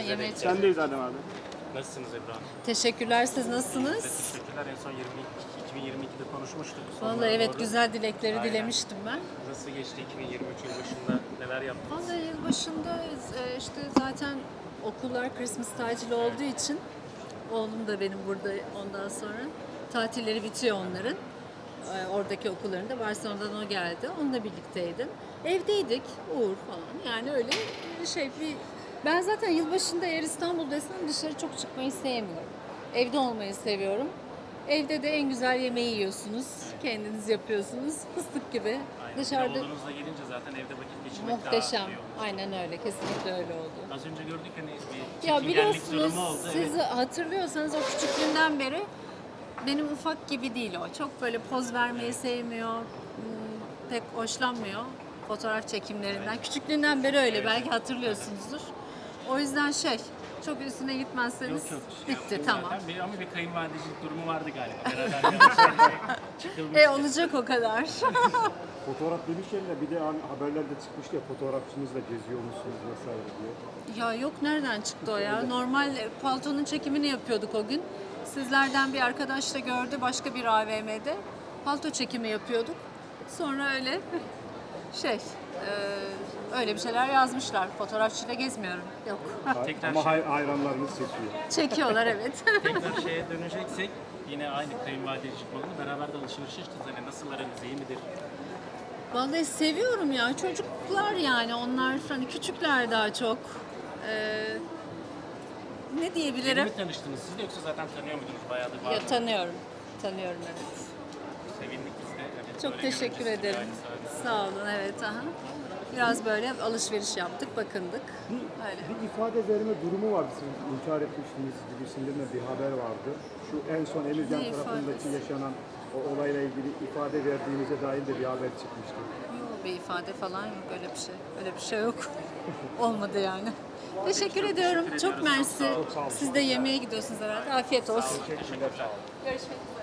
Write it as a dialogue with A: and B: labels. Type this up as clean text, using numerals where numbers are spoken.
A: yemeğe
B: Sen
A: çıkıyorum.
B: Sendeyiz Adem abi.
C: Nasılsınız Ebru Hanım?
A: Teşekkürler, siz nasılsınız?
C: Teşekkürler. En son 2022'de konuşmuştuk. Sonlara
A: Vallahi evet,
C: doğru.
A: güzel dilekleri
C: Aynen.
A: dilemiştim ben.
C: Nasıl geçti 2023 yıl başında? Neler yaptınız?
A: Vallahi yılbaşında işte zaten okullar Christmas tatili olduğu için oğlum da benim burada ondan sonra tatilleri bitiyor onların. Oradaki okullarında Barcelona'dan o geldi. Onunla birlikteydim. Evdeydik, Uğur falan. Yani öyle ben zaten yılbaşında eğer İstanbul'daysam dışarı çok çıkmayı sevmiyorum. Evde olmayı seviyorum. Evde de en güzel yemeği yiyorsunuz. Kendiniz yapıyorsunuz. Fıstık gibi.
C: Aynen.
A: Dışarıda
C: Oğlunuzla gelince zaten evde vakit geçirmek
A: muhteşem.
C: daha iyi olmuş.
A: Aynen öyle. Kesinlikle öyle oldu.
C: Az önce gördük hani bir
A: Ya
C: çekingenlik
A: biliyorsunuz,
C: durumu oldu.
A: siz
C: Evet.
A: hatırlıyorsanız o küçüklüğünden beri benim ufak gibi değil o. Çok böyle poz vermeyi sevmiyor, pek hoşlanmıyor fotoğraf çekimlerinden. Küçüklüğünden beri öyle, belki hatırlıyorsunuzdur. O yüzden çok üstüne gitmezseniz
C: Yok,
A: bitti, tamam.
C: Zaten ama bir kayınvalidecilik durumu vardı galiba. Beraber yanlış çıkılmış.
A: Olacak o kadar.
B: Fotoğraf demişken de bir de haberlerde çıkmıştı ya, fotoğrafçınızla geziyor musunuz vesaire diye.
A: Ya yok, nereden çıktı o ya? Normal paltonun çekimini yapıyorduk o gün. Sizlerden bir arkadaş da gördü başka bir AVM'de. Palto çekimi yapıyorduk. Sonra öyle öyle bir şeyler yazmışlar. Fotoğrafçıyla gezmiyorum. Yok.
C: Tekrar
B: Ama hayranlarınız çekiyor.
A: Çekiyorlar, evet.
C: Tekrar şeye döneceksek yine aynı kayınvalidecilik modunu beraber de alışverişe çıktınız. Hani nasıl aranız, iyi midir?
A: Vallahi seviyorum ya. Çocuklar yani onlar hani küçükler daha çok. Ne
C: Yeni
A: diyebilirim?
C: mi tanıştınız siz de yoksa zaten tanıyor muydunuz? Bayağıdır var
A: Ya
C: mı?
A: tanıyorum. Tanıyorum, evet.
C: Sevindik biz de. Evet,
A: Çok
C: böyle
A: teşekkür
C: görünce sizi
A: ederim.
C: aynı sahnede.
A: Sağ olun, evet. Aha. Biraz böyle alışveriş yaptık, bakındık. Öyle.
B: Bir ifade verme durumu vardı, siz inkar etmiştiniz gibisinden de bir haber vardı. Şu en son Emirgan
A: Ne
B: tarafındaki
A: ifadesi?
B: yaşanan o olayla ilgili ifade verdiğinize dair de bir haber çıkmıştı.
A: Yok, bir ifade falan yok, öyle bir şey. Öyle bir şey yok. Olmadı yani. Teşekkür ediyorum. Çok mersi.
C: Çok
B: sağ olun.
A: Siz de yemeğe gidiyorsunuz herhalde. Afiyet olsun.
B: Teşekkürler.
A: Görüşmek üzere.